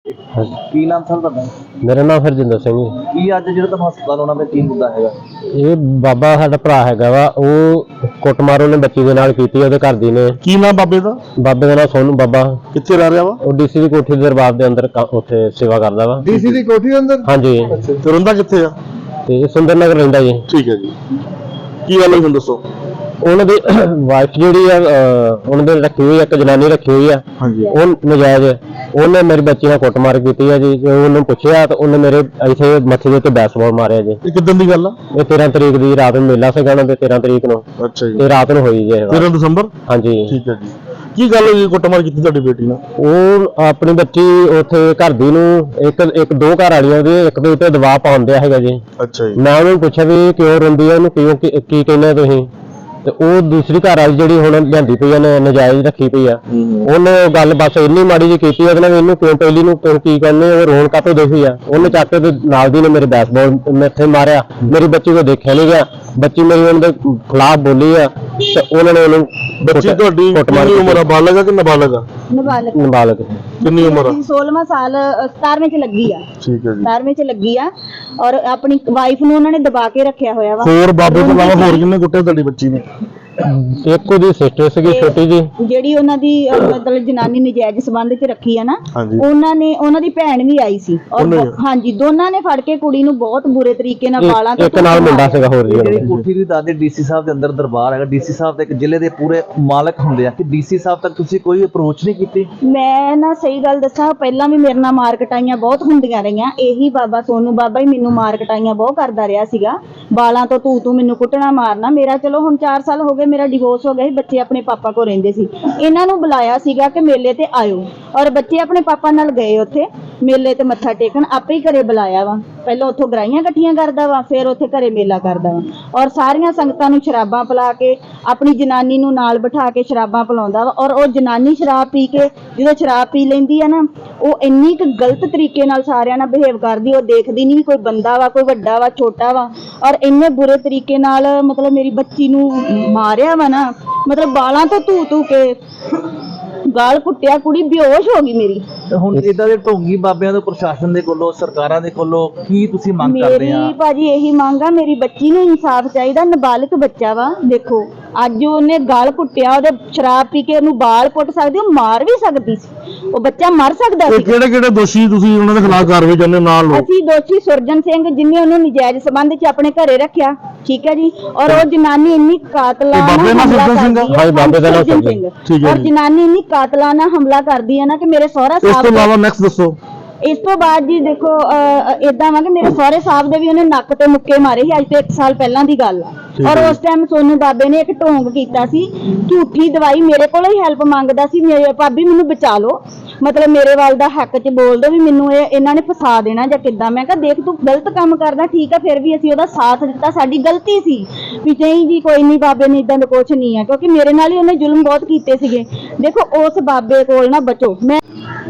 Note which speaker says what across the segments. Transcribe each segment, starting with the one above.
Speaker 1: ਕੀ ਨਾਮ ਸਰ ਤੁਹਾਡਾ?
Speaker 2: ਮੇਰਾ ਨਾਮ ਹਰਜਿੰਦਰ ਸਿੰਘ ਜੀ।
Speaker 1: ਕੀ ਅੱਜ ਜਿਹੜਾ ਤੁਹਾਨੂੰ ਹਸਪਤਾਲ ਆਉਣਾ ਪਿਆ ਕੀ ਮੁੱਦਾ ਹੈਗਾ?
Speaker 2: ਇਹ ਬਾਬਾ ਸਾਡਾ ਭਰਾ ਹੈਗਾ ਵਾ, ਉਹ ਕੁੱਟਮਾਰ ਉਹਨੇ ਬੱਚੀ ਦੇ ਨਾਲ ਕੀਤੀ, ਉਹਦੇ ਘਰ ਦੀ ਨੇ।
Speaker 3: ਕੀ ਨਾਮ ਬਾਬੇ ਦਾ?
Speaker 2: ਬਾਬੇ ਦਾ ਨਾਮ ਸੋਨੂ ਬਾਬਾ।
Speaker 3: ਕਿੱਥੇ ਰਹਿ ਰਿਹਾ ਵਾ?
Speaker 2: ਉਹ ਡੀਸੀ ਦੀ ਕੋਠੀ ਦੇ ਦਰਬਾਰ ਦੇ ਅੰਦਰ ਉੱਥੇ ਸੇਵਾ ਕਰਦਾ ਵਾ।
Speaker 3: ਡੀਸੀ ਦੀ ਕੋਠੀ ਦੇ ਅੰਦਰ?
Speaker 2: ਹਾਂਜੀ।
Speaker 3: ਤੇ ਰਹਿੰਦਾ ਕਿੱਥੇ ਆ?
Speaker 2: ਤੇ ਸੁੰਦਰ ਨਗਰ ਰਹਿੰਦਾ ਜੀ।
Speaker 3: ਠੀਕ ਹੈ ਜੀ। ਕੀ ਗੱਲ ਹੋਈ ਹੁਣ ਦੱਸੋ?
Speaker 2: ਉਹਨਾਂ ਦੀ ਵਾਈਫ ਜਿਹੜੀ ਆ, ਉਹਨਾਂ ਦੇ ਰੱਖੀ ਹੋਈ ਇੱਕ ਜਨਾਨੀ ਰੱਖੀ ਹੋਈ ਆ।
Speaker 3: ਹਾਂਜੀ।
Speaker 2: ਉਹ ਨਜਾਇਜ਼ ਉਹਨੇ ਮੇਰੀ ਬੱਚੀ ਨਾਲ ਕੁੱਟਮਾਰ ਕੀਤੀ ਹੈ ਜੀ। ਉਹਨੂੰ ਪੁੱਛਿਆ ਤਾਂ ਉਹਨੇ ਮੇਰੇ ਇੱਥੇ ਮੱਥੇ ਦੇ ਉੱਤੇ ਬੈਸਬਾਲ ਮਾਰਿਆ ਜੀ।
Speaker 3: ਇਹ ਕਿੱਦਾਂ ਦੀ ਗੱਲ ਆ?
Speaker 2: ਇਹ 13 ਤਰੀਕ ਦੀ ਰਾਤ ਨੂੰ ਮੇਲਾ ਸੀਗਾ ਉਹਨਾਂ ਦੇ, 13 ਤਰੀਕ ਨੂੰ।
Speaker 3: ਅੱਛਾ ਜੀ।
Speaker 2: ਇਹ ਰਾਤ ਨੂੰ ਹੋਈ ਜੀ।
Speaker 3: 13 ਦਸੰਬਰ?
Speaker 2: ਹਾਂਜੀ।
Speaker 3: ਠੀਕ ਹੈ ਜੀ। ਕੀ ਗੱਲ ਹੋਈ ਕੁੱਟਮਾਰ ਕੀਤੀ ਤੁਹਾਡੀ ਬੇਟੀ ਨਾਲ?
Speaker 2: ਉਹ ਆਪਣੀ ਬੱਚੀ ਉੱਥੇ ਘਰ ਦੀ ਨੂੰ ਇੱਕ ਦੋ ਘਰ ਵਾਲੀਆਂ ਦੇ ਇੱਕ ਦੇ ਉੱਤੇ ਦਬਾਅ ਪਾਉਂਦਿਆ ਹੈਗਾ ਜੀ।
Speaker 3: ਅੱਛਾ ਜੀ।
Speaker 2: ਮੈਂ ਉਹਨੂੰ ਪੁੱਛਿਆ ਵੀ ਕਿਉਂ ਰੋਂਦੀ ਆ, ਉਹਨੂੰ ਕਿਉਂ ਕੀ ਕਹਿੰਦੇ ਤੁਸੀਂ? ਤੇ ਉਹ ਦੂਸਰੀ ਘਰ ਵਾਲੀ ਜਿਹੜੀ ਹੁਣ ਲਿਆਂਦੀ ਪਈ ਆ, ਨਜਾਇਜ਼ ਰੱਖੀ ਪਈ ਆ, ਉਹਨੇ ਗੱਲ ਬਸ ਇੰਨੀ ਮਾੜੀ ਜਿਹੀ ਕੀਤੀ ਉਹਦੇ ਨਾਲ, ਇਹਨੂੰ ਕਿਉਂ ਪਹਿਲੀ ਨੂੰ ਕੀ ਕਹਿੰਦੇ, ਉਹ ਰੋਣ ਕਾਤੋਂ ਦੇਖੀ ਆ। ਉਹਨੇ ਚੱਕ ਕੇ ਨਾਲ ਦੀ ਨੇ ਮੇਰੇ ਬੈਸਬਾਲ ਮੈਥੇ ਮਾਰਿਆ। ਮੇਰੀ ਬੱਚੀ ਕੋ ਦੇਖਿਆ ਨਹੀਂ ਗਿਆ। ਬੱਚੀ ਮੇਰੀ ਉਹਨਾਂ ਦੇ ਖਿਲਾਫ ਬੋਲੀ ਆ ਤੇ ਉਹਨਾਂ ਨੇ ਉਹਨੂੰ।
Speaker 3: ਬੱਚੀ ਤੁਹਾਡੀ ਕਿੰਨੀ ਉਮਰ ਆ? ਬਾਲਗ ਆ ਕਿ ਨਾਬਾਲਗ ਆ?
Speaker 2: ਨਾਬਾਲਗ।
Speaker 3: ਕਿੰਨੀ ਉਮਰ ਆ?
Speaker 4: 16ਵਾਂ ਸਾਲ 17ਵੇਂ ਚ ਲੱਗੀ ਆ।
Speaker 3: ਠੀਕ ਹੈ ਜੀ।
Speaker 4: 17ਵੇਂ ਚ ਲੱਗੀ ਆ ਔਰ ਆਪਣੀ ਵਾਈਫ ਨੂੰ ਉਹਨਾਂ ਨੇ ਦਬਾ ਕੇ ਰੱਖਿਆ ਹੋਇਆ ਵਾ।
Speaker 3: ਹੋਰ ਬਾਬੇ ਤੋਂ ਇਲਾਵਾ ਹੋਰ ਕਿੰਨੇ ਕੁੱਟੇ ਤੁਹਾਡੀ ਬੱਚੀ ਨੇ?
Speaker 2: ਇੱਕ ਉਹਦੀ ਸਿਸਟਰ ਸੀਗੀ ਛੋਟੀ ਜੀ,
Speaker 4: ਜਿਹੜੀ ਉਹਨਾਂ ਦੀ ਮਤਲਬ ਜਨਾਨੀ ਨਜਾਇਜ਼ ਸੰਬੰਧ ਚ ਰੱਖੀ ਆ ਨਾ,
Speaker 3: ਹਾਂਜੀ।
Speaker 4: ਉਹਨਾਂ ਦੀ ਭੈਣ ਵੀ ਆਈ ਸੀ ਔਰ ਹਾਂਜੀ ਦੋਨਾਂ ਨੇ ਫੜ ਕੇ ਕੁੜੀ ਨੂੰ ਬਹੁਤ ਬੁਰੇ ਤਰੀਕੇ ਨਾਲ ਵਾਲਾਂ ਤੋਂ।
Speaker 2: ਇੱਕ ਨਾਲ ਮੁੰਡਾ ਸੀਗਾ ਹੋਰ ਜੀ।
Speaker 1: ਜਿਹੜੀ ਕੋਠੀ ਦੀ ਦਾਦੇ ਡੀਸੀ ਸਾਹਿਬ ਦੇ ਅੰਦਰ ਦਰਬਾਰ ਹੈਗਾ, ਡੀਸੀ ਸਾਹਿਬ ਤੇ ਇੱਕ ਜ਼ਿਲ੍ਹੇ ਦੇ ਪੂਰੇ ਮਾਲਕ ਹੁੰਦੇ ਆ, ਕਿ ਡੀਸੀ ਸਾਹਿਬ ਤੱਕ ਤੁਸੀਂ ਕੋਈ ਅਪਰੋਚ ਨਹੀਂ ਕੀਤੀ?
Speaker 4: ਮੈਂ ਨਾ ਸਹੀ ਗੱਲ ਦੱਸਾਂ, ਪਹਿਲਾਂ ਵੀ ਮੇਰੇ ਨਾਲ ਮਾਰ ਕਟਾਈਆਂ ਬਹੁਤ ਹੁੰਦੀਆਂ ਰਹੀਆਂ। ਇਹੀ ਬਾਬਾ ਸੋਨੂ ਬਾਬਾ ਹੀ ਮੈਨੂੰ ਮਾਰ ਕਟਾਈਆਂ ਬਹੁਤ ਕਰਦਾ ਰਿਹਾ ਸੀਗਾ, ਬਾਲਾਂ ਤੋਂ ਤੂੰ ਮੈਨੂੰ ਕੁੱਟਣਾ ਮਾਰਨਾ। ਮੇਰਾ ਚਲੋ ਹੁਣ 4 ਸਾਲ ਹੋ ਗਏ, ਮੇਰਾ ਡਿਵੋਰਸ ਹੋ ਗਿਆ ਸੀ, ਬੱਚੇ ਆਪਣੇ ਪਾਪਾ ਕੋਲ ਰਹਿੰਦੇ ਸੀ। ਇਹਨਾਂ ਨੂੰ ਬੁਲਾਇਆ ਸੀਗਾ ਕਿ ਮੇਲੇ ਤੇ ਆਇਓ, ਔਰ ਬੱਚੇ ਆਪਣੇ ਪਾਪਾ ਨਾਲ ਗਏ ਉੱਥੇ ਮੇਲੇ ਤੇ ਮੱਥਾ ਟੇਕਣ। ਆਪੇ ਹੀ ਘਰੇ ਬੁਲਾਇਆ ਵਾ, ਪਹਿਲਾਂ ਉੱਥੋਂ ਗਰਾਈਆਂ ਇਕੱਠੀਆਂ ਕਰਦਾ ਵਾ, ਫਿਰ ਉੱਥੇ ਘਰੇ ਮੇਲਾ ਕਰਦਾ ਵਾ, ਔਰ ਸਾਰੀਆਂ ਸੰਗਤਾਂ ਨੂੰ ਸ਼ਰਾਬਾਂ ਪਿਲਾ ਕੇ ਆਪਣੀ ਜਨਾਨੀ ਨੂੰ ਨਾਲ ਬਿਠਾ ਕੇ ਸ਼ਰਾਬਾਂ ਪਿਲਾਉਂਦਾ ਵਾ। ਔਰ ਉਹ ਜਨਾਨੀ ਸ਼ਰਾਬ ਪੀ ਕੇ, ਜਦੋਂ ਸ਼ਰਾਬ ਪੀ ਲੈਂਦੀ ਆ ਨਾ, ਉਹ ਇੰਨੀ ਕੁ ਗਲਤ ਤਰੀਕੇ ਨਾਲ ਸਾਰਿਆਂ ਨਾਲ ਬਿਹੇਵ ਕਰਦੀ, ਉਹ ਦੇਖਦੀ ਨਹੀਂ ਕੋਈ ਬੰਦਾ ਵਾ, ਕੋਈ ਵੱਡਾ ਵਾ, ਛੋਟਾ ਵਾ, ਔਰ ਇੰਨੇ ਬੁਰੇ ਤਰੀਕੇ ਨਾਲ ਮਤਲਬ ਮੇਰੀ ਬੱਚੀ ਨੂੰ ਮਾਰਿਆ ਵਾ ਨਾ, ਮਤਲਬ ਬਾਲਾਂ ਤੋਂ ਧੂ ਕੇ ਗਾਲ ਕੁੱਟਿਆ, ਕੁੜੀ ਬੇਹੋਸ਼ ਹੋ ਗਈ ਮੇਰੀ।
Speaker 1: ਹੁਣ ਇਦਾਂ ਦੇ ਢੋਂਗੀ ਬਾਬਿਆਂ ਤੋਂ, ਪ੍ਰਸ਼ਾਸਨ ਦੇ ਕੋਲੋਂ, ਸਰਕਾਰਾਂ ਦੇ ਕੋਲੋਂ ਕੀ ਤੁਸੀਂ ਮੰਗ ਕਰਦੇ ਆ?
Speaker 4: ਮੇਰੀ ਭਾਜੀ ਇਹੀ ਮੰਗ ਆ, ਮੇਰੀ ਬੱਚੀ ਨੂੰ ਇਨਸਾਫ ਚਾਹੀਦਾ। ਨਾਬਾਲਗ ਬੱਚਾ ਵਾ, ਦੇਖੋ ਅੱਜ ਉਹਨੇ ਗਾਲ ਕੁੱਟਿਆ, ਉਹਦੇ ਸ਼ਰਾਬ ਪੀ ਕੇ ਉਹਨੂੰ ਬਾਲ ਪੁੱਟ ਸਕਦੀ, ਉਹ ਮਾਰ ਵੀ ਸਕਦੀ ਸੀ, ਉਹ ਬੱਚਾ ਮਰ ਸਕਦਾ ਸੀ।
Speaker 3: ਕਿਹੜੇ ਦੋਸ਼ੀ ਤੁਸੀਂ ਉਹਨਾਂ ਦੇ ਖਿਲਾਫ ਕਾਰਵਾਈ ਕਰਨੇ ਨਾਲ ਲੋ?
Speaker 4: ਅਸੀਂ ਦੋਸ਼ੀ ਸੁਰਜਨ ਸਿੰਘ, ਜਿਨੇ ਉਹਨੂੰ ਨਜਾਇਜ਼ ਸੰਬੰਧ ਚ ਆਪਣੇ ਘਰੇ ਰੱਖਿਆ, ਠੀਕ ਹੈ ਜੀ, ਔਰ ਉਹ ਜਨਾਨੀ ਇੰਨੀ ਕਾਤਲਾਨਾ ਹਮਲਾ ਕਰਦੀ ਹੈ।
Speaker 2: ਹਾਂ ਬਾਬੇ ਦਾ ਨਾਮ
Speaker 4: ਸੁਰਜਨ ਸਿੰਘ। ਔਰ ਜਨਾਨੀ ਇੰਨੀ ਕਾਤਲਾਨਾ ਹਮਲਾ ਕਰਦੀ ਹੈ ਨਾ ਕਿ ਮੇਰੇ ਸਹੁਰਾ ਸਾਹਿਬ।
Speaker 3: ਇਸ ਤੋਂ ਇਲਾਵਾ ਨੈਕਸਟ ਦੱਸੋ।
Speaker 4: ਇਸ ਤੋਂ ਬਾਅਦ ਜੀ ਦੇਖੋ ਇਦਾਂ ਵਾ ਕਿ ਮੇਰੇ ਸਹੁਰੇ ਸਾਹਿਬ ਦੇ ਵੀ ਉਹਨੇ ਨੱਕ ਤੇ ਮੁੱਕੇ ਮਾਰੇ ਸੀ, ਅੱਜ ਤੋਂ 1 ਸਾਲ ਪਹਿਲਾਂ ਦੀ ਗੱਲ ਆ। ਔਰ ਉਸ ਟਾਈਮ ਸੋਨੂ ਬਾਬੇ ਨੇ ਇੱਕ ਢੋਂਗ ਕੀਤਾ ਸੀ, ਝੂਠੀ ਦਵਾਈ ਮੇਰੇ ਕੋਲੋਂ ਹੀ ਹੈਲਪ ਮੰਗਦਾ ਸੀ, ਮੇਰੇ ਭਾਬੀ ਮੈਨੂੰ ਬਚਾ ਲਓ, ਮਤਲਬ ਮੇਰੇ ਵੱਲ ਦਾ ਹੱਕ 'ਚ ਬੋਲ ਦੋ ਵੀ ਮੈਨੂੰ ਇਹਨਾਂ ਨੇ ਫਸਾ ਦੇਣਾ ਜਾਂ ਕਿੱਦਾਂ। ਮੈਂ ਕਿਹਾ ਦੇਖ ਤੂੰ ਗਲਤ ਕੰਮ ਕਰਦਾ, ਠੀਕ ਆ, ਫਿਰ ਵੀ ਅਸੀਂ ਉਹਦਾ ਸਾਥ ਦਿੱਤਾ, ਸਾਡੀ ਗਲਤੀ ਸੀ ਵੀ ਨਹੀਂ ਜੀ ਕੋਈ ਨਹੀਂ, ਬਾਬੇ ਨੇ ਇਦਾਂ ਦਾ ਕੁਛ ਨਹੀਂ ਹੈ, ਕਿਉਂਕਿ ਮੇਰੇ ਨਾਲ ਹੀ ਉਹਨੇ ਜ਼ੁਲਮ ਬਹੁਤ ਕੀਤੇ ਸੀਗੇ। ਦੇਖੋ ਉਸ ਬਾਬੇ ਕੋਲ ਨਾ ਬਚੋ। ਮੈਂ